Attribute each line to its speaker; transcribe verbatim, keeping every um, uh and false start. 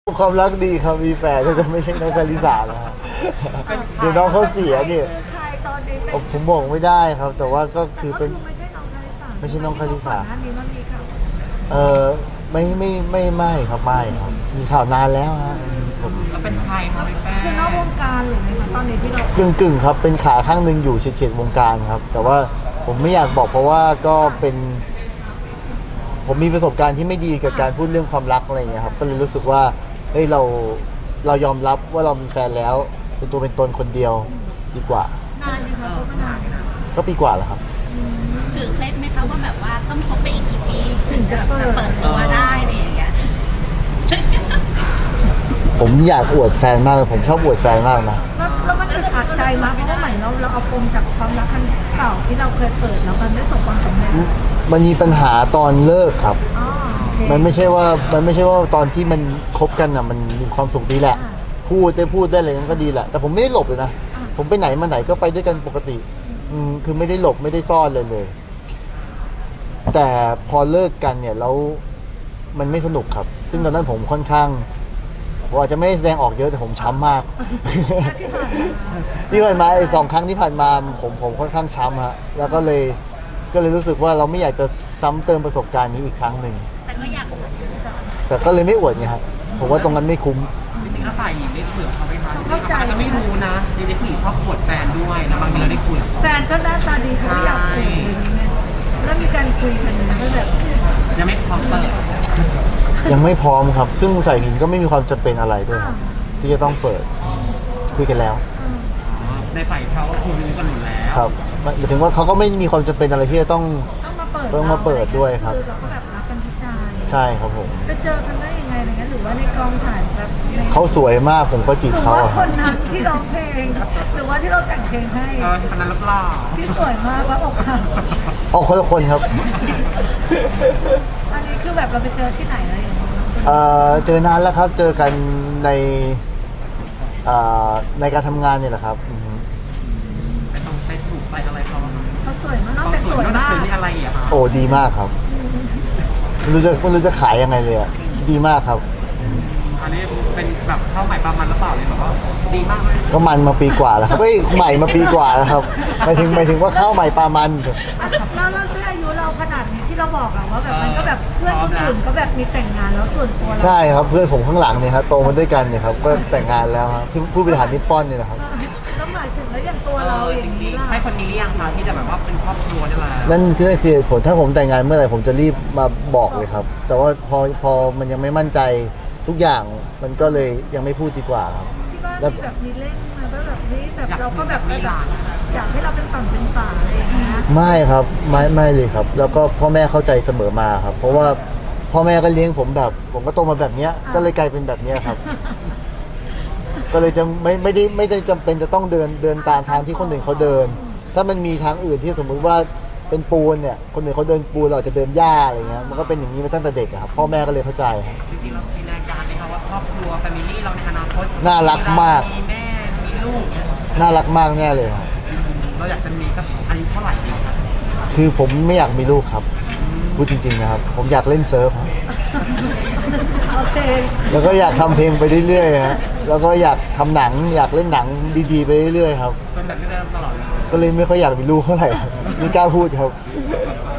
Speaker 1: ความรักดีครับมีแฟนแต่ไม่ใช่น้องคาริสานะครับเดี๋ยวน้องเขาเสียเนี่ย
Speaker 2: ใครตอนนี้เป็น
Speaker 1: ผมบอกไม่ได้ครับ แต่ว่าก็คือเป็น
Speaker 2: ไม่ใช่น้องคาริสา
Speaker 1: ไม่ใช่น้องคาริสา
Speaker 2: ก่อนหน้านี้มันมีข่าว
Speaker 1: เออไม่ไม่ไม่ไม่ครับไม่ครับมีข่าวนานแล้วฮะผม
Speaker 3: แล้วเป็นใครคะพี่แป้
Speaker 2: คือนอกวงการหรือไงคะตอนนี้ที่เรา
Speaker 1: กึ่งกึ่งครับเป็นขาข้างหนึ่งอยู่เฉียดๆวงการครับ แต่ว่าผมไม่อยากบอกเพราะว่าก็เป็น ผมมีประสบการณ์ที่ไม่ดีกับการพูดเรื่องความรักอะไรอย่างเงี้ยครับก็เลยรู้สึกว่าเฮ้ยเราเรายอมรับว่าเรามีแฟนแล้ว เป็นตัวเป็นตนคนเดียวดีกว่า
Speaker 2: นานไหมคะคบมานานไหมคะ
Speaker 1: ก็ปีกว่าแล้วครับ
Speaker 4: ถือเคล็ดไหมคะว่าแบบว่าต้องคบไปอีกกี่ปีถึงจะจะเปิดตัวได้อะไรอย่างเงี้ย
Speaker 1: ผมอยากอวดแฟนมากเลยผมชอบอวดแฟนมากนะ
Speaker 2: แล้วแล้วมันอึดอัดใจมากเพราะว่าเหมือนเราเราเอาปมจากความรักครั้งเก่าที่เราเคยเปิดแล้วมันไม่ประสบความสำเร็จ
Speaker 1: มันมีปัญหาตอนเลิกครับ
Speaker 2: อ๋อโอเค
Speaker 1: มันไม่ใช่ว่ามันไม่ใช่ว่าตอนที่มันคบกันอ่ะมันมีความสุขดีแหละ
Speaker 2: อ่า
Speaker 1: พูดได้พูดได้อะไรมันก็ดีแหละ แต่ผมไม่ได้หลบเลยนะ
Speaker 2: อ่า
Speaker 1: ผมไปไหนมาไหนก็ไปด้วยกันปกติอืมคือไม่ได้หลบไม่ได้ซ่อนเลยเลย แต่พอเลิกกันเนี่ยแล้วมันไม่สนุกครับ ซึ่งตอนนั้นผมค่อนข้างผมอาจจะไม่ได้แสดงออกเยอะแต่ผมช้ำมาก ที่ผ่านมาไอ้สองครั้งที่ผ่านมาผมผมค่อนข้างช้ำฮะแล้วก็เลยก็เลยรู้สึกว่าเราไม่อยากจะซ้ำเติมประสบการณ์นี้อีกครั้งหนึ่ง
Speaker 4: แต่ก็อยาก
Speaker 1: แต่ก็เลยไม่อวดไงครับผมว่าตรงนั้นไม่คุ้ม
Speaker 3: จริงๆแล้วฝ่ายหญิงได้คุยกับเขาไหมคะเขาอาจจะไม่รู้นะจริงๆผู้หญิงชอบปวดแฟนด้วยนะบางทีเราได้คุยกับเขา
Speaker 2: แฟนก็หน้าตาดีเขาก็อยากคุยอะไรอย่างเงี้ยแล้วมีการคุยกันไหมก็แบบ
Speaker 3: ยังไม่พร้อมเปิด
Speaker 1: ยังไม่พร้อมครับ ซึ่งใส่หินก็ไม่มีความจำเป็นอะไรด้วยครับที่จะต้องเปิดคุยกันแล้ว
Speaker 3: ในฝ่ายเขาคุยกันหมดแล้ว
Speaker 1: ครับหมายถึงว่าเขาก็ไม่มีความจำเป็นอะไรที่จะต้อง
Speaker 2: ต้องมาเปิด
Speaker 1: ต้องมาเปิดด้วยครับ
Speaker 2: คือเราก็แบบรักกันทุกใจ
Speaker 1: ใช่ครับผม
Speaker 2: ไปเจอกันได้ยังไงอะไรเงี้ยหรือว่าในกองถ่ายแบบใน
Speaker 1: เขาสวยมากผมก็จี
Speaker 2: ห
Speaker 1: บ
Speaker 2: รือ
Speaker 1: เขา
Speaker 2: ว่า
Speaker 1: อะค
Speaker 2: ครับ นนั้นที่ร้องเพลงหรือว่าที่เราแต่งเพลงให้
Speaker 3: เออคนนั้นรับรอง
Speaker 2: ที่สวยมากแล้วอกหัก
Speaker 1: อ๋อคนละคนครับ
Speaker 2: อันนี้คือแบบเราไปเจอที่ไหนอะไรอย่างเงี้ย
Speaker 1: เอ่อเจอนานแล้วครับ เจอกันในเอ่อในการทำงานเนี่ยแหละครับอือฮึ
Speaker 3: ไปตรงไปถูกไปอะไรเขาบ้าง
Speaker 2: เขาสวยมากนอกจาก
Speaker 3: ส
Speaker 2: ส
Speaker 3: ว
Speaker 2: วย ย
Speaker 3: นอกจาก
Speaker 2: มา
Speaker 3: ส
Speaker 2: ก
Speaker 3: วยมีอะไรอีกอะคะ
Speaker 1: โอ้ดีมากครับไม่รู้จะไม่รู้จะขายยังไงเลยอะดีมากครับ
Speaker 3: อันนี้เป็นแบบเข้าใหม่ประมาณหรือเปล่าเลยแบบว่าดีมากเลย
Speaker 1: ก็มันมาปีกว่าแล้วครับเฮ้ยใหม่มาปีกว่าแล้วครับหมายถึงหมายถึงว่าข้าวใหม่ปลามัน
Speaker 2: แล้วแล้วด้วยอายุเราขนาดนี้ที่เราบอกอะว่าแบบมันก็แบบเพื่อนคนอื่นก็แบบมีแต่งงานแล้วส่วนตัวเรา
Speaker 1: ใช่ครับเพื่อนผมข้างหลังเนี่ยครับโตมาด้วยกันเนี่ยครับก็แต่งงานแล้วครับผู้ผู้บริหารนิปปอนเนี่ยนะครับ
Speaker 2: แล้วหมายถึงแล้วอย่างตัว
Speaker 3: เอ
Speaker 2: เรา
Speaker 3: อ
Speaker 2: อ
Speaker 3: จ
Speaker 2: ย่าง
Speaker 3: ริ
Speaker 2: นี้
Speaker 3: ง
Speaker 2: ล่ะ
Speaker 3: ๆให้คนนี้ยังคะที่จะแบบว่าเป็นครอบครัวนี่แหละ
Speaker 1: นั่นคือนั่นคือเหตุผลถ้าผมแต่งงานเมื่อไหร่ผมจะรีบมาบอกเลยครับ แต่ว่าพอพอมันยังไม่มั่นใจทุกอย่างมันก็เลยยังไม่พูดดีกว่าครับ
Speaker 2: ที่บ้าน
Speaker 1: แล้ว
Speaker 2: มีแบบมีเล่นมาแล้วแบบนี้แบบเราก็แบบแบบอยากให้เราเป็นฝั่งเป็นฝาอะไรอย่างเงี้ย
Speaker 1: ไม่ครับไม่ไม่เลยครับ แล้วก็พ่อแม่เข้าใจเสมอมาครับ เพราะว่าพ่อแม่ก็เลี้ยงผมแบบ ผมก็โตมาแบบเนี้ยก็เลยกลายเป็นแบบเนี้ยครับ ก็เลยจะไม่ไม่ได้ไม่ได้จำเป็นจะต้องเดินเดินตามทางที่คนอื่นเขาเดิน ถ้ามันมีทางอื่นที่สมมุติว่าเป็นปูนเนี่ยคนอื่นเขาเดินปูนเราอาจจะเดินหญ้าอะไรเงี้ยมันก็เป็นอย่างนี้มาตั้งแต่เด็กอะครับพ่อแม่ก็เลยเข้าใจครับ
Speaker 3: จริงๆเราจินตนาการไหมคะว่าครอบครัวแฟมิลี่เราในอนาคต
Speaker 1: น่ารักมาก
Speaker 3: มีแม่มีลูกเนี่ย
Speaker 1: น่ารักมากแน่เลยครับ
Speaker 3: เราอยากจะมีสักอายุเท่าไหร่ดีครับ
Speaker 1: คือผมไม่อยากมีลูกครับพูดจริงๆนะครับ ผมอยากเล่นเซิร์ฟครับ
Speaker 2: โอเค
Speaker 1: แล้วก็อยากทำเพลงไปเรื่อยๆฮะแล้วก็อยากทำหนังอยากเล่นหนังดีๆไปเรื่อยๆครับ
Speaker 3: เป็นแบบนี้ได้ตลอดเลย
Speaker 1: ก็เลยไม่ค่อยอยากมีลูกเท่าไหร่ครับไม่กล้าพูดครับ
Speaker 3: เ